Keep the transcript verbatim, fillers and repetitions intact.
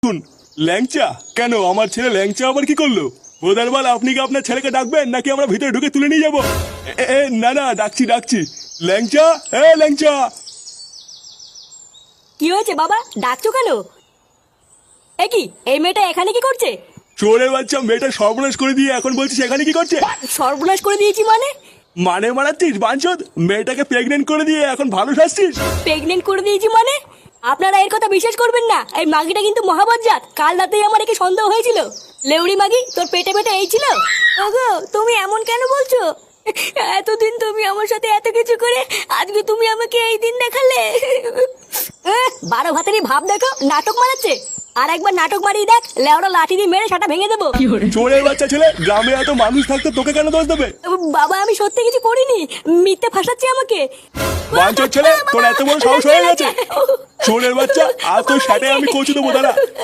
শুন, ল্যাংচা কেন? আমার ছেলে ল্যাংচা আবার কি করলো? বোদারবাল, আপনি কি আপনার ছেলেকে ডাকবেন নাকি আমরা ভিতরে ঢুকে তুলে নিয়ে যাবো? এ, এ, না না, ডাকছি ডাকছি। ল্যাংচা, এ ল্যাংচা। কি হয়েছে বাবা, ডাকছো কেন? এ কি, এই মেয়েটা এখানে কি করছে? চোরের বাচ্চা, মেয়েটা সর্বনাশ করে দিয়ে এখন বলছিস এখানে কি করছে? সর্বনাশ করে দিয়েছি মানে? মানে মারাচ্ছিস বাঞ্চদ? মেয়েটাকে প্রেগনেন্ট করে দিয়ে এখন ভালো শাসছিস? প্রেগনেন্ট করে দিয়েছি মানে? আপনারা এর কথা বিশ্বাস করবেন না। এই মাগিটা কিন্তু মহাবজ্জাত। কাল রাতেই আমার একে সন্দেহ হয়েছিল। লেউড়ি মাগি, তোর পেটে পেটে এই ছিল? ওগো, তুমি এমন কেন বলছো? এতদিন তুমি আমার সাথে এত কিছু করে আজকে তুমি আমাকে এই দিন দেখালে। এহ, বারো ভাতেরই ভাব দেখো, নাটক মারাচ্ছে। আর একবার নাটক মারিয়ে দেখ, লেওড়া লাঠি দিয়ে মেরে সাটা ভেঙে দেবো। চোরের বাচ্চা ছেলে, গ্রামে এত মানুষ থাকতে তোকে কেন দোষ দেবে? বাবা, আমি সত্যি কিছু করিনি। মিথ্যে ফাঁসাচ্ছে আমাকে। বাঞ্চদ ছেলে, তোর এত বড় সাহস হয়ে গেছে? চোরের বাচ্চা, আর তোর সাথে আমি কচু দেবো, দাঁড়া।